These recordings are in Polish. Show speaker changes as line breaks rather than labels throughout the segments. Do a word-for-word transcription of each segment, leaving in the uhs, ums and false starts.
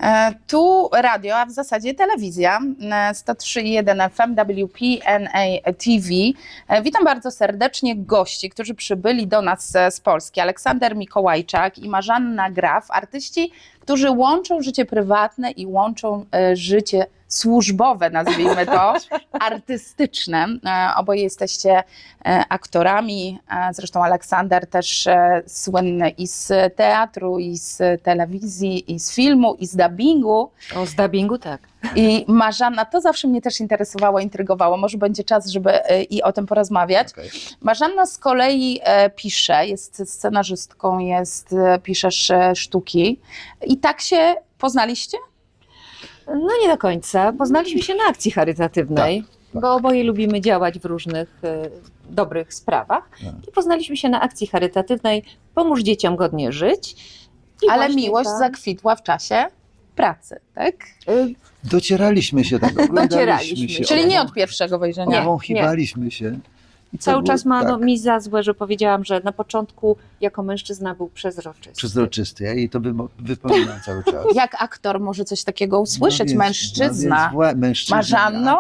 E, Tu radio, a w zasadzie telewizja, e, sto trzy i jeden F M W P N A T V. E, Witam bardzo serdecznie gości, którzy przybyli do nas e, z Polski. Aleksander Mikołajczak i Marzanna Graf, artyści, którzy łączą życie prywatne i łączą e, życie służbowe, nazwijmy to, artystyczne. E, Oboje jesteście e, aktorami, e, zresztą Aleksander też e, słynny i z teatru, i z telewizji, i z filmu, i z dubbingu.
O, z dubbingu tak.
I Marzanna, to zawsze mnie też interesowało, intrygowało. Może będzie czas, żeby e, i o tym porozmawiać.
Okay.
Marzanna z kolei e, pisze, jest scenarzystką, jest, e, piszesz e, sztuki. I tak się poznaliście?
No nie do końca. Poznaliśmy się na akcji charytatywnej,
Tak, tak.
bo oboje lubimy działać w różnych e, dobrych sprawach.
Tak.
I poznaliśmy się na akcji charytatywnej Pomóż dzieciom godnie żyć. I
Ale
właśnie
miłość
ta-
zakwitła w czasie pracy, tak?
e,
Docieraliśmy się tak, oglądaliśmy
Docieraliśmy.
się.
Czyli nie
obą-
od pierwszego wejrzenia.
Obwąchiwaliśmy się. I to
Cały
było-
czas ma no,
tak,
mi za złe, że powiedziałam, że na początku jako mężczyzna był przezroczysty.
przezroczysty. Ja jej to wymo- wypominam cały czas.
Jak aktor może coś takiego usłyszeć?
No więc-
Mężczyzna.
No więc wła- mężczyzna.
Marzanno?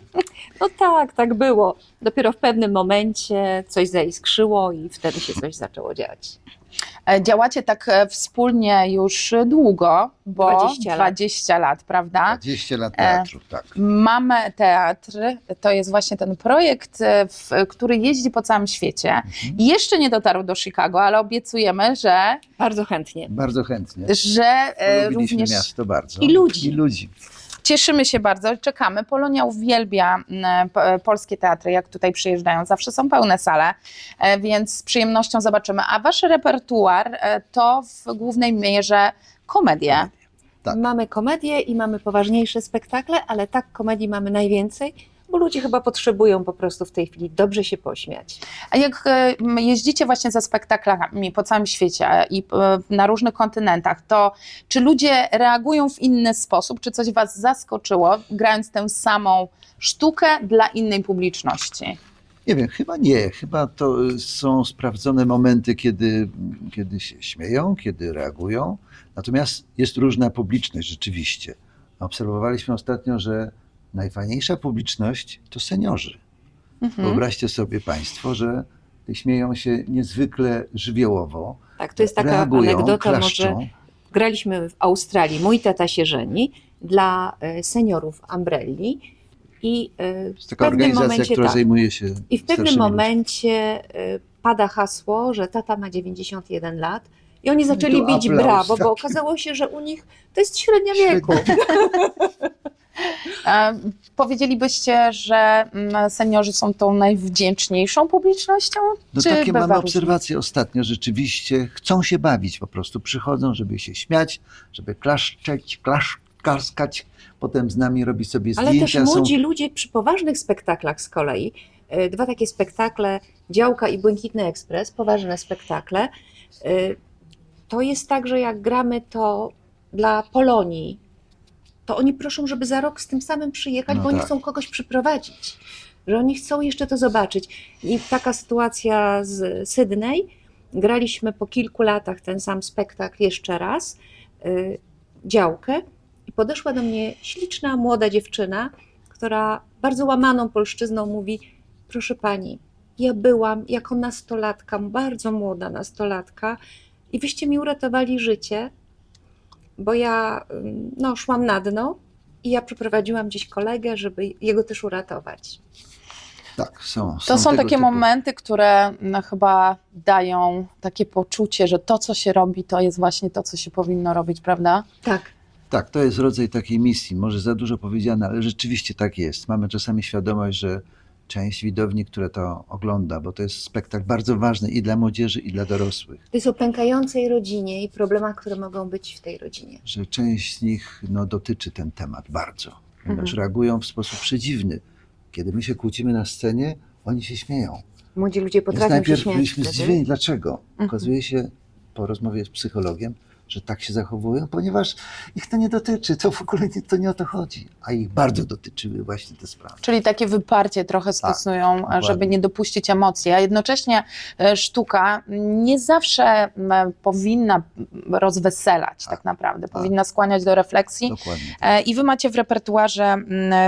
No tak, tak było. Dopiero w pewnym momencie coś zaiskrzyło i wtedy się coś zaczęło dziać.
E, Działacie tak e, wspólnie już długo, bo
dwadzieścia lat.
dwadzieścia lat, prawda?
dwadzieścia lat teatru, tak.
Mamy Teatr, to jest właśnie ten projekt, e, w, który jeździ po całym świecie.
Mhm.
I jeszcze nie dotarł do Chicago, ale obiecujemy, że,
Bardzo chętnie.
Bardzo chętnie.
że e,
Lubiliśmy
również
miasto bardzo.
I ludzi.
I ludzi.
cieszymy się bardzo, czekamy. Polonia uwielbia m, p- polskie teatry, jak tutaj przyjeżdżają. Zawsze są pełne sale, e, więc z przyjemnością zobaczymy. A wasz repertuar e, to w głównej mierze komedie.
Tak.
Mamy komedię i mamy poważniejsze spektakle, ale tak komedii mamy najwięcej, bo ludzie chyba potrzebują po prostu w tej chwili dobrze się pośmiać.
A jak e, m, jeździcie właśnie ze spektaklami po całym świecie i e, na różnych kontynentach, to czy ludzie reagują w inny sposób? Czy coś was zaskoczyło, grając tę samą sztukę dla innej publiczności?
Nie wiem, chyba nie. Chyba to y, są sprawdzone momenty, kiedy, kiedy się śmieją, kiedy reagują. Natomiast jest różna publiczność rzeczywiście. Obserwowaliśmy ostatnio, że najfajniejsza publiczność to seniorzy.
Mhm.
Wyobraźcie sobie Państwo, że śmieją się niezwykle żywiołowo,
Tak, to jest taka
reagują,
anegdota, może
klaszczą.
graliśmy w Australii, mój tata się żeni, dla e, seniorów Umbrelli i e,
To jest
w
taka
pewnym
organizacja,
momencie
która
tak.
zajmuje się
I w pewnym
starszymi ludźmi.
momencie y, pada hasło, że tata ma dziewięćdziesiąt jeden lat i oni zaczęli
tu
bić
aplauz,
brawo,
tak.
bo okazało się, że u nich to jest średnia wieku.
E, Powiedzielibyście, że mm, seniorzy są tą najwdzięczniejszą publicznością?
No
Czy
takie
bywa
mamy
różnie?
obserwacje ostatnio, rzeczywiście chcą się bawić po prostu, przychodzą, żeby się śmiać, żeby klaszczeć, klasz, klaskać, potem z nami robić sobie
Ale
zdjęcia.
też
są...
młodzi ludzie przy poważnych spektaklach z kolei, y, dwa takie spektakle, Działka i Błękitny Ekspres, poważne spektakle, y, to jest tak, że jak gramy to dla Polonii, to oni proszą, żeby za rok z tym samym przyjechać,
No
bo oni
tak.
chcą kogoś przyprowadzić, że oni chcą jeszcze to zobaczyć. I taka sytuacja z Sydney, graliśmy po kilku latach ten sam spektakl jeszcze raz, y, Działkę, i podeszła do mnie śliczna, młoda dziewczyna, która bardzo łamaną polszczyzną mówi: proszę pani, ja byłam jako nastolatka, bardzo młoda nastolatka i wyście mi uratowali życie, bo ja ym, no, szłam na dno i ja przyprowadziłam gdzieś kolegę, żeby jego też uratować.
Tak, są.
To są
tego
takie
typu.
momenty, które no, chyba dają takie poczucie, że to, co się robi, to jest właśnie to, co się powinno robić, prawda?
Tak.
Tak, to jest rodzaj takiej misji, może za dużo powiedziane, ale rzeczywiście tak jest. Mamy czasami świadomość, że część widowni, która to ogląda, bo to jest spektakl bardzo ważny i dla młodzieży, i dla dorosłych,
To jest o pękającej rodzinie i problemach, które mogą być w tej rodzinie.
że część z nich no, dotyczy ten temat bardzo, ponieważ
Mhm.
reagują w sposób przedziwny. Kiedy my się kłócimy na scenie, oni się śmieją.
Młodzi ludzie
Więc
potrafią się
najpierw
śmiać
byliśmy
wtedy.
zdziwieni, dlaczego. Okazuje się po rozmowie z psychologiem, że tak się zachowują, ponieważ ich to nie dotyczy, to w ogóle nie, to nie o to chodzi, a ich bardzo dotyczyły właśnie te sprawy.
Czyli takie wyparcie trochę stosują,
dokładnie.
żeby nie dopuścić emocji, a jednocześnie e, sztuka nie zawsze m, powinna rozweselać tak,
Tak,
naprawdę,
tak.
powinna skłaniać do refleksji.
Dokładnie.
E, I wy macie w repertuarze m,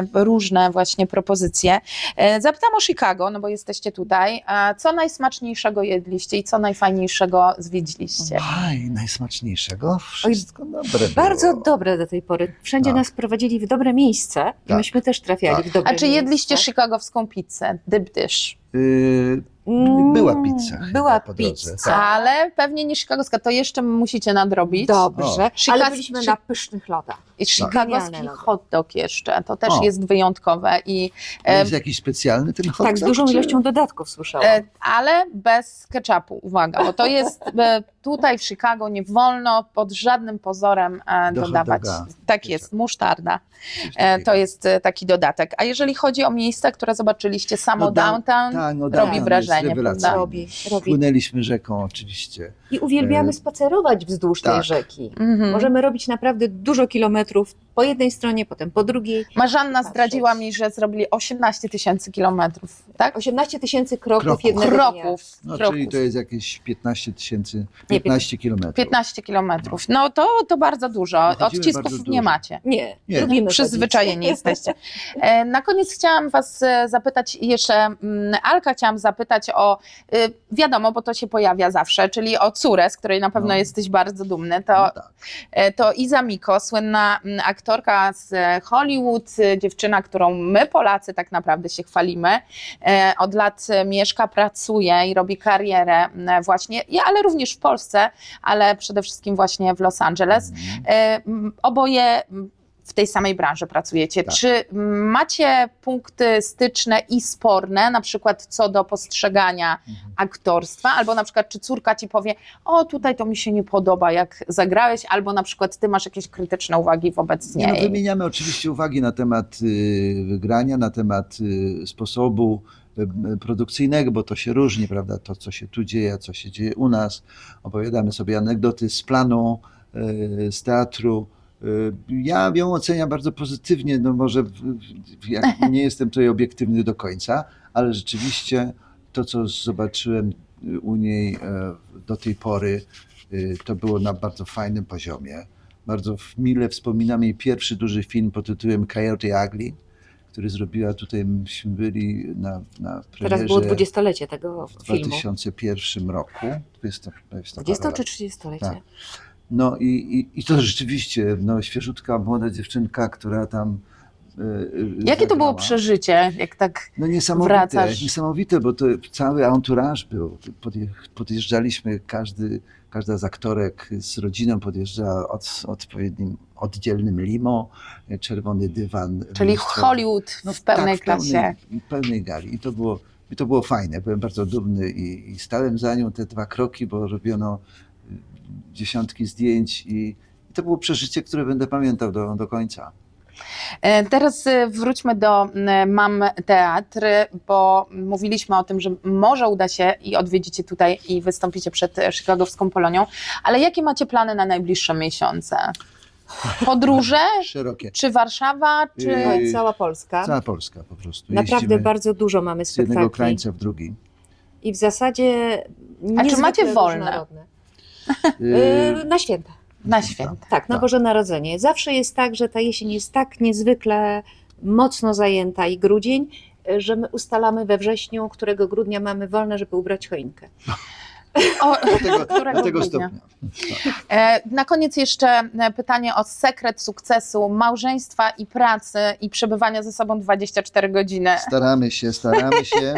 różne właśnie propozycje. E, Zapytam o Chicago, no bo jesteście tutaj. E, Co najsmaczniejszego jedliście i co najfajniejszego zwiedziliście?
Aj, najsmaczniejszego? Wszystko dobre było.
Bardzo dobre do tej pory. Wszędzie
Tak.
nas prowadzili w dobre miejsce i
Tak.
myśmy też trafiali
Tak.
w dobre
A czy
miejsce.
jedliście chicagowską pizzę, dip dish?
Yy,
Mm,
była pizza chyba
Była
po drodze.
pizza.
Tak.
Ale pewnie nie chicagowska, to jeszcze musicie nadrobić.
Dobrze,
O.
ale
Chica-
byliśmy
Chi-
na pysznych lodach.
I
Genialne
chicagowski
lody.
hot dog jeszcze, to też
O.
jest wyjątkowe. I,
A
e,
jest jakiś specjalny ten hot
Tak, z
dog,
dużą
czy-
ilością dodatków słyszałam.
e, ale bez ketchupu, uwaga, bo to jest e, tutaj w Chicago nie wolno pod żadnym pozorem e,
Do hot
dodawać.
doga
Tak
ketchup.
jest, musztarda.
Coś
E,
takiego.
to jest e, taki dodatek. A jeżeli chodzi o miejsca, które zobaczyliście, samo
No, down-
downtown
tak, no,
robi
downtown jest
wrażenie,
rewelacyjny.
prawda?
robi, robi.
Płynęliśmy rzeką oczywiście.
I uwielbiamy
E,
spacerować wzdłuż tej
tak.
rzeki.
Mhm.
Możemy robić naprawdę dużo kilometrów po jednej stronie, potem po drugiej.
Marzanna
patrzeć.
zdradziła mi, że zrobili osiemnaście tysięcy kilometrów, tak?
osiemnaście tysięcy kroków,
Kroków.
jednego dnia.
Kroków.
No,
kroków.
czyli to jest jakieś piętnaście tysięcy, piętnaście kilometrów.
piętnaście kilometrów. No to, to bardzo dużo.
No, chodzimy
Odcisków
bardzo
nie
dużo.
macie.
Nie,
Nie.
lubimy
Przyzwyczajeni jesteście. E, Na koniec chciałam was e, zapytać jeszcze, mm, Alka chciałam zapytać o, y, wiadomo, bo to się pojawia zawsze, czyli o córę, z której na pewno
No.
jesteś bardzo dumny. To,
No tak.
e, to Iza Miko, słynna mm, aktorka z e, Hollywood, e, dziewczyna, którą my Polacy tak naprawdę się chwalimy. E, Od lat e, mieszka, pracuje i robi karierę m, właśnie, ja, ale również w Polsce, ale przede wszystkim właśnie w Los Angeles.
Mhm.
E, m, Oboje m, w tej samej branży pracujecie.
Tak.
Czy macie punkty styczne i sporne, na przykład co do postrzegania
Mhm.
aktorstwa, albo na przykład czy córka ci powie, o tutaj to mi się nie podoba, jak zagrałeś, albo na przykład ty masz jakieś krytyczne uwagi wobec
Nie, no,
niej.
wymieniamy oczywiście uwagi na temat y, wygrania, na temat y, sposobu y, produkcyjnego, bo to się różni, prawda, to co się tu dzieje, co się dzieje u nas. Opowiadamy sobie anegdoty z planu, y, z teatru. Y, Ja ją oceniam bardzo pozytywnie, no może w- w- jak nie jestem tutaj obiektywny do końca, ale rzeczywiście to, co zobaczyłem y, u niej e, do tej pory, y, to było na bardzo fajnym poziomie. Bardzo w- mile wspominam jej pierwszy duży film pod tytułem Coyote Ugly, który zrobiła tutaj, myśmy byli na, na
Teraz było
premierze
dwudziestolecie tego
w
filmu.
dwa tysiące pierwszym roku. dwudziesta, dwudziesta
dwudzieste
parę
czy
lat.
trzydziestolecie?
Tak. No i, i, i to rzeczywiście, no, świeżutka, młoda dziewczynka, która tam y, y,
Jakie to było
zagrała.
przeżycie, jak tak
No niesamowite,
wracasz?
niesamowite, bo to cały entourage był. Podje- Podjeżdżaliśmy, każdy, każda z aktorek z rodziną podjeżdżała od odpowiednim, oddzielnym limo, czerwony dywan.
czyli
mnóstwo-
Hollywood
no
w pełnej
tak,
klasie.
Pełnej, pełnej gali. I to było, i to było fajne. Byłem bardzo dumny i, i stałem za nią te dwa kroki, bo robiono y, dziesiątki zdjęć i, i to było przeżycie, które będę pamiętał do, do końca.
E, Teraz e, wróćmy do m, Mam Teatr, bo mówiliśmy o tym, że może uda się i odwiedzicie tutaj i wystąpicie przed e, Chicagowską Polonią, ale jakie macie plany na najbliższe miesiące? Podróże?
Szerokie.
Czy Warszawa? Czy...
Yy,
Słuchaj, cała Polska.
Cała Polska po prostu.
Naprawdę
Jeździmy
bardzo dużo mamy
z jednego
spektakli.
krańca w drugi.
I w zasadzie
A czy
niezwykle
macie wolne?
różnorodne.
Yy,
Yy, na święta.
Na święta.
Tak, na
Tak.
Boże Narodzenie. Zawsze jest tak, że ta jesień jest tak niezwykle mocno zajęta i grudzień, że my ustalamy we wrześniu, którego grudnia mamy wolne, żeby ubrać choinkę.
O,
do tego,
którego
do tego
grudnia?
stopnia.
E, Na koniec jeszcze e, pytanie o sekret sukcesu małżeństwa i pracy i przebywania ze sobą dwadzieścia cztery godziny.
Staramy się, staramy się.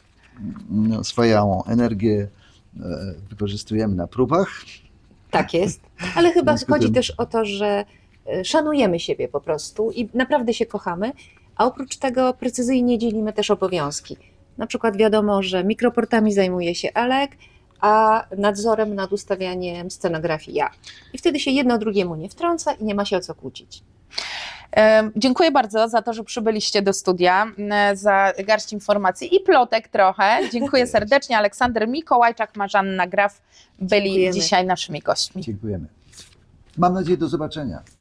No, swoją energię e, wykorzystujemy na próbach.
Tak jest. Ale chyba
W związku
chodzi
tym-
też o to, że e, szanujemy siebie po prostu i naprawdę się kochamy, a oprócz tego precyzyjnie dzielimy też obowiązki. Na przykład wiadomo, że mikroportami zajmuje się Alek, a nadzorem nad ustawianiem scenografii ja. I wtedy się jedno drugiemu nie wtrąca i nie ma się o co kłócić.
E, Dziękuję bardzo za to, że przybyliście do studia, e, za garść informacji i plotek trochę. Dziękuję serdecznie. Aleksander Mikołajczak, Marzanna Graf byli
Dziękujemy.
dzisiaj naszymi gośćmi.
Dziękujemy. Mam nadzieję, do zobaczenia.